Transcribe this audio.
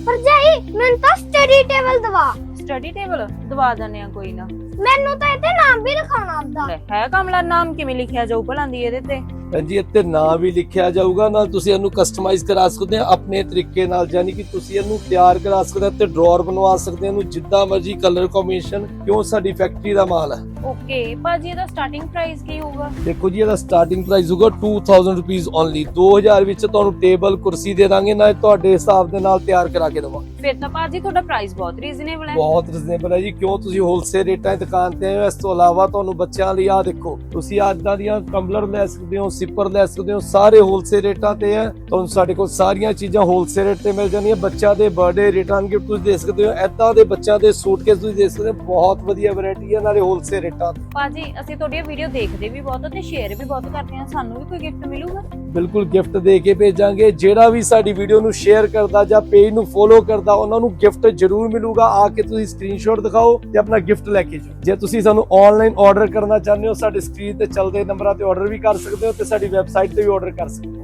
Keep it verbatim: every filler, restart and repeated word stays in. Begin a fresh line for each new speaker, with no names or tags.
ਭਰਜਾਈ ਮੈਨੂੰ ਤਾਂ ਸਟੱਡੀ ਟੇਬਲ ਦਵਾ।
ਸਟੱਡੀ ਟੇਬਲ ਦਵਾ ਦਿੰਦੇ ਆ, ਕੋਈ ਨਾ।
ਮੈਨੂੰ ਤਾਂ ਇਹਦੇ ਨਾਮ ਵੀ ਲਿਖਾਉਣਾ ਆਉਂਦਾ।
ਲੈ, ਹੈ ਕਮਲਾ, ਨਾਮ ਕਿਵੇਂ ਲਿਖਿਆ ਜਾਊ ਭਲਾਂ ਦੀ ਇਹਦੇ ਤੇ?
ਹਾਂਜੀ, ਇੱਥੇ ਨਾਂ ਵੀ ਲਿਖਿਆ ਜਾਊਗਾ, ਨਾਲ ਤੁਸੀਂ ਇਹਨੂੰ ਕਸਟਮਾਈਜ਼ ਕਰਾ ਸਕਦੇ ਆ ਆਪਣੇ ਤਰੀਕੇ ਨਾਲ, ਯਾਨੀ ਕਿ ਤੁਸੀਂ ਇਹਨੂੰ ਤਿਆਰ ਕਰਾ ਸਕਦੇ ਆ ਤੇ ਡਰਾਅਰ ਬਣਵਾ ਸਕਦੇ ਆ ਇਹਨੂੰ ਜਿੱਦਾਂ ਮਰਜ਼ੀ ਕਲਰ ਕੰਬੀਨੇਸ਼ਨ, ਕਿਉਂ ਸਾਡੀ ਫੈਕਟਰੀ ਦਾ ਮਾਲ ਹੈ।
ਓਕੇ ਭਾਜੀ, ਇਹਦਾ ਸਟਾਰਟਿੰਗ ਪ੍ਰਾਈਸ ਕੀ ਹੋਊਗਾ?
ਦੇਖੋ ਜੀ, ਇਹਦਾ ਸਟਾਰਟਿੰਗ ਪ੍ਰਾਈਸ ਹੋਊਗਾ ਟੂ ਥਾਊਜ਼ੈਂਡ ਰੁਪੀਸ ਓਨਲੀ। ਦੋ ਹਜ਼ਾਰ ਵਿੱਚ ਤੁਹਾਨੂੰ ਟੇਬਲ ਕੁਰਸੀ ਦੇ ਦਾਂਗੇ, ਨਾਲ ਤੁਹਾਡੇ ਹਿਸਾਬ ਦੇ ਨਾਲ ਤਿਆਰ ਕਰਾ ਕੇ ਦਵਾਂਗੇ।
ਫਿਰ ਤਾਂ ਭਾਜੀ ਤੁਹਾਡਾ ਪ੍ਰਾਈਸ ਬਹੁਤ ਰੀਜ਼ਨੇਬਲ ਹੈ।
ਬਹੁਤ ਰੀਜ਼ਨੇਬਲ ਹੈ ਜੀ, ਕਿਉਂ ਤੁਸੀਂ ਹੋਲਸੇਲ ਰੇਟਾਂ ਦੀ ਦੁਕਾਨ ਤੇ ਆਏ ਹੋ। ਇਸ ਤੋਂ ਇਲਾਵਾ ਤੁਹਾਨੂੰ ਬੱਚਿਆਂ ਲਈ ਆ ਦੇਖੋ, ਤੁਸੀਂ ਇਦਾਂ ਦੀਆਂ ਟੰਬਲਰ ਲੈ ਸਕਦੇ ਹੋ, ਸਿਪਰ ਲੈ ਸਕਦੇ ਹੋ, ਸਾਰੇ ਹੋਲਸੇਲ ਰੇਟਾਂ ਤੇ ਹੈ। ਤੁਹਾਨੂੰ ਸਾਡੇ ਕੋਲ ਸਾਰੀਆਂ ਚੀਜ਼ਾਂ ਹੋਲਸੇਲ ਰੇਟ ਤੇ ਮਿਲ ਜਾਂਦੀਆਂ। ਬੱਚਿਆਂ ਦੇ ਬਰਥਡੇ ਰਿਟਰਨ ਗਿਫਟ ਤੁਸੀਂ ਦੇ ਸਕਦੇ ਹੋ, ਏਦਾਂ ਦੇ ਬੱਚਿਆਂ ਦੇ ਸੂਟਕੇਸ ਤੁਸੀਂ ਦੇ ਸਕਦੇ ਹੋ। ਬਹੁਤ ਵਧੀਆ ਵੈਰਾਈਟੀ ਹੈ, ਨਾਲੇ ਹੋਲਸੇਲ ਰੇਟਾਂ ਤੇ।
ਭਾਜੀ ਅਸੀਂ ਤੁਹਾਡੀਆਂ ਵੀਡੀਓ ਦੇਖਦੇ ਵੀ ਬਹੁਤ ਤੇ ਸ਼ੇਅਰ ਵੀ ਬਹੁਤ ਕਰਦੇ ਹਾਂ, ਸਾਨੂੰ ਵੀ ਕੋਈ ਗਿਫਟ ਮਿਲੂਗਾ?
ਬਿਲਕੁਲ ਗਿਫਟ ਦੇ ਕੇ ਭੇਜਾਂਗੇ। ਜਿਹੜਾ ਵੀ ਸਾਡੀ ਵੀਡੀਓ ਨੂੰ ਸ਼ੇਅਰ ਕਰਦਾ ਜਾਂ ਪੇਜ ਨੂੰ ਫੋਲੋ ਕਰਦਾ, ਉਹਨਾਂ ਨੂੰ ਗਿਫਟ ਜ਼ਰੂਰ ਮਿਲੂਗਾ। ਆ ਕੇ ਤੁਸੀਂ ਸਕਰੀਨਸ਼ਾਟ ਦਿਖਾਓ ਤੇ ਆਪਣਾ ਗਿਫਟ ਲੈ ਕੇ ਜਾਓ। ਜੇ ਤੁਸੀਂ ਸਾਨੂੰ ਆਨਲਾਈਨ ਆਰਡਰ ਕਰਨਾ ਚਾਹੁੰਦੇ ਹੋ, ਸਾਡੇ ਸਕਰੀਨ ਤੇ ਚੱਲਦੇ ਨੰਬਰਾਂ ਤੇ ਆਰਡਰ ਵੀ ਕਰ ਸਕਦੇ ਹੋ ਤੇ ਸਾਡੀ ਵੈਬਸਾਈਟ ਤੇ ਵੀ ਆਰਡਰ ਕਰ ਸਕਦੇ ਹੋ।